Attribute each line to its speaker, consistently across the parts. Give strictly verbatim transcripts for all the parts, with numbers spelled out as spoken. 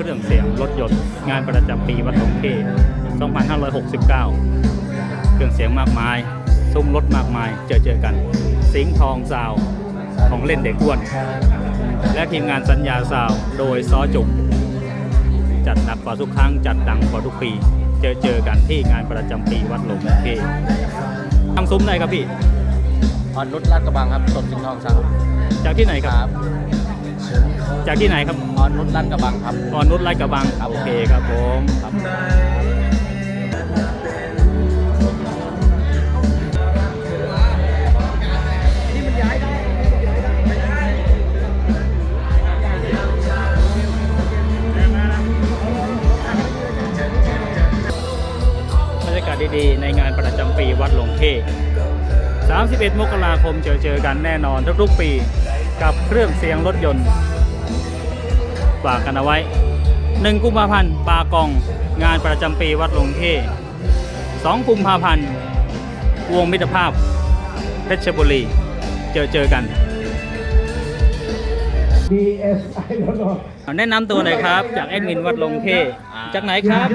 Speaker 1: รื่องเสียงรถยนต์งานประจำปีวัดหลวงเพ่สองพันห้าร้อยหกสิบเก้า เครื่องเสียงมากมายซุ้มรถมากมายเจอเจอกันสิงห์ทองซาวของเล่นเด็กอ้วนและทีมงานสัญญาซาวโดยซอจุกจัดหนักกว่าทุกครั้งจัดดังกว่าทุกปีเจอเจอกันที่งานประจำปีวัดหลวงเพ่ทางซุ้มไหนครับพี่
Speaker 2: อ่อนนุชลาดกระบังครับสดสิงห์ทองซาว
Speaker 1: จากที่ไหนครับจากที่ไหนครับ
Speaker 2: อ่อนนุชลาดกระบังครับ
Speaker 1: อ่อนนุชลาดกระบังโอเคครับผมครับบรรยากาศดีๆในงานประจำปีวัดหลวงเพ่สามสิบเอ็ด มกราคมเจอเจอกันแน่นอนทุกๆปีกับเครื่องเสียงรถยนต์ฝากกันเอาไว้หนึ่งกุมภาพันธ์ปากองงานประจำปีวัดหลวงเพ่สองกุมภาพันธ์วงมิตรภาพเพชรบุรีเจอเจอกัน
Speaker 3: ดี เอส ไอ แล้วก็
Speaker 1: แนะนำตัวหน่อยครับจากแอดมินวัดหลวงเพ่จากไหนครับ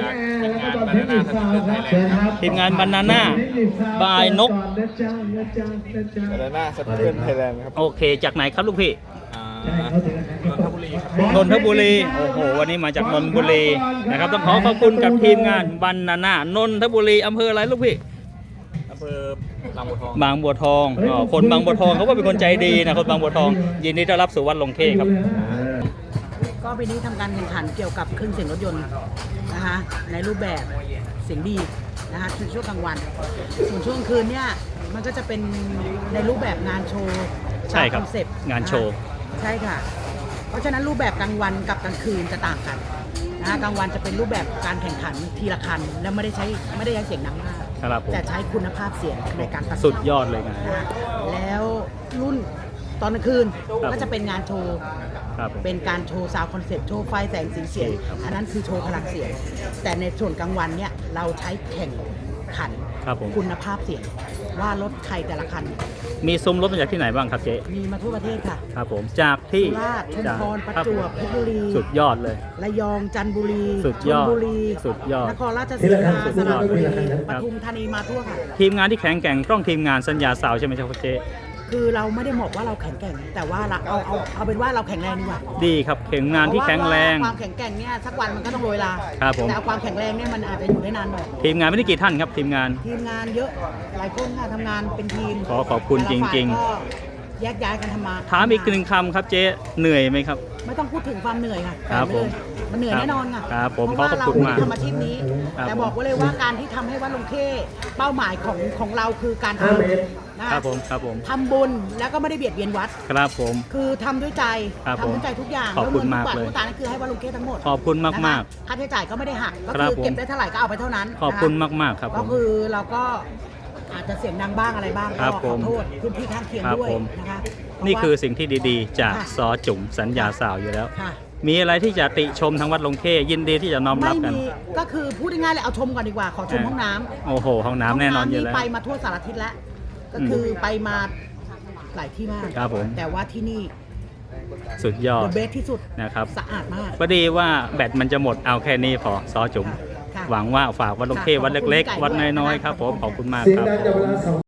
Speaker 1: ทีมงานบานาน่าบายนก
Speaker 2: บานาน่าสเตนไทยแลนด์ครับ
Speaker 1: โอเคจากไหนครับลูกพี่
Speaker 2: นนทบุรีครับ
Speaker 1: นนทบุรีโอ้โหวันนี้มาจากนนทบุรีนะครับต้องขอขอบคุณกับทีมงานบานาน่านนทบุรีอำเภออะไรลูกพี่
Speaker 2: อำเภอบางบัวทอง
Speaker 1: บางบัวทองอ๋อคนบางบัวทองเขาก็เป็นคนใจดีนะคนบางบัวทองยินดีต้อนรับสู่วัดหลวงเพ่ครับ
Speaker 4: ก็ปีนี้ทำการแข่งขันเกี่ยวกับเครื่องเสียงรถยนต์นะคะในรูปแบบเสียงดีนะคะในช่วงกลางวันส่วนช่วงคืนเนี่ยมันก็จะเป็นในรูปแบบงานโชว์
Speaker 1: ใช่ครับงานโชว์
Speaker 4: ใช่ค่ะเพราะฉะนั้นรูปแบบกลางวันกับกลางคืนจะต่างกันนะกลางวันจะเป็นรูปแบบการแข่งขันทีละคันและไม่ได้ใช้ไม่ได้ใช้เสียงดังมากแต่ใช้คุณภาพเสียงในการตัด
Speaker 1: สุดยอดเลยนะ
Speaker 4: แล้วรุ่นตอนกลางคืนก็จะเป็นงานโชว์เป็นการโชว์ซาวด์คอนเซ็ปต์โชว์ไฟแสงสีเสียงอันนั้นคือโชว์พลังเสียงแต่ในส่วนกลางวันเนี่ยเราใช้แข่งขันคุณภาพเสียงว่ารถใครแต่ละคัน
Speaker 1: มีซุ้มรถมาจากที่ไหนบ้างครับเจ๊
Speaker 4: มีมาทั่วประเทศค่ะ
Speaker 1: ครับผมจากที่
Speaker 4: สุราษฎร์ชุมพรประจวบเพชรบุรี
Speaker 1: สุดยอดเลย
Speaker 4: ระยองจันทบุรี
Speaker 1: สุดยอด
Speaker 4: บุรี
Speaker 1: สุดยอด
Speaker 4: นครราชสีมาสระบุรีปทุมธานีมาทั่วค่ะ
Speaker 1: ทีมงานที่แข็งแกร่งต้องทีมงานสัญญาสาวใช่ไหมครับเจ๊
Speaker 4: คือเราไม่ได้บอกว่าเราแข็งแกร่งแต่ว่าเราเอาเอาเอาเป็นว่าเราแข็งแรงดีกว่า
Speaker 1: ดีครับแข็งงานที่แข็งแรง
Speaker 4: ความแข็งแกร่งเนี่ยสักวันมันก็ต้องโรยลา
Speaker 1: ครับผม
Speaker 4: แต่ความแข็งแรงเนี่ยมันอาจจะอยู่ได้นานหน่อย
Speaker 1: ทีมงานไม่ได้กี่ท่านครับทีมงาน
Speaker 4: ทีมงานเยอะหลายคนค่ะทำงานเป็นทีม
Speaker 1: ขอขอบคุณจริง
Speaker 4: ๆก็แยกย้ายกันทำมา
Speaker 1: ถามอีกหนึ่งคำครับเจ๊เหนื่อยไหมครับ
Speaker 4: ไม่ต้องพูดถึงความเหนื่อยค่ะ
Speaker 1: ครับผม
Speaker 4: มันเหนื่อยแน่นอนค่ะ
Speaker 1: ครับผม
Speaker 4: เพราะว่าเราทำอาชีพนี้แต่บอกไว้เลยว่าการที่ทำให้วัดหลวงเพ่เป้าหมายของของเราคือการทำ
Speaker 1: นะครับผมครับผม
Speaker 4: ทำบุญแล้วก็ไม่ได้เบียดเบียนวัด
Speaker 1: ครับผม
Speaker 4: คือทำด้วยใจทำด้วยใจทุกอย่าง
Speaker 1: ขอบคุณมากเลย
Speaker 4: ทุกบาททุกสตางค์คือให้วัดหลวงเพ่ทั้งหมด
Speaker 1: ขอบคุณมากมาก
Speaker 4: ค่าใช้จ่ายก็ไม่ได้หักก็คือเก็บได้เท่าไหร่ก็เอาไปเท่านั้น
Speaker 1: ขอบคุณมากมากครับ
Speaker 4: ก็คือเราก็อาจจะเสียงดังบ้างอะไรบ้างก็ขอโทษพื้นที่ข้างเคียงด้วยนะคะ
Speaker 1: นี่คือสิ่งที่ดีๆจากซอจุ๋มสัญญาสาวอยู่แล้วมีอะไรที่จะติชมทางวัดหลวงเพ่ยินดีที่จะน้อมรับกัน
Speaker 4: ก็คือพูดง่ายๆเลยเอาชมก่อนดีกว่าขอชมห้องน้ำ
Speaker 1: โอ้โหห้องน้ำแน่นอนอยู่แล้ว
Speaker 4: ไปมาทั่วสารทิศแล้วก็คือไปมาหลายที่มาก
Speaker 1: ครับผม
Speaker 4: แต่ว่าที่นี่
Speaker 1: สุดยอด
Speaker 4: เบสที่สุด
Speaker 1: นะครับ
Speaker 4: สะอาดมาก
Speaker 1: พอดีว่าแบตมันจะหมดเอาแค่นี้พอซอจุ๋มหวังว่าฝากวัดหลวงเพ่วัดเล็กๆวัดน้อยๆครับผมขอบคุณมากครับ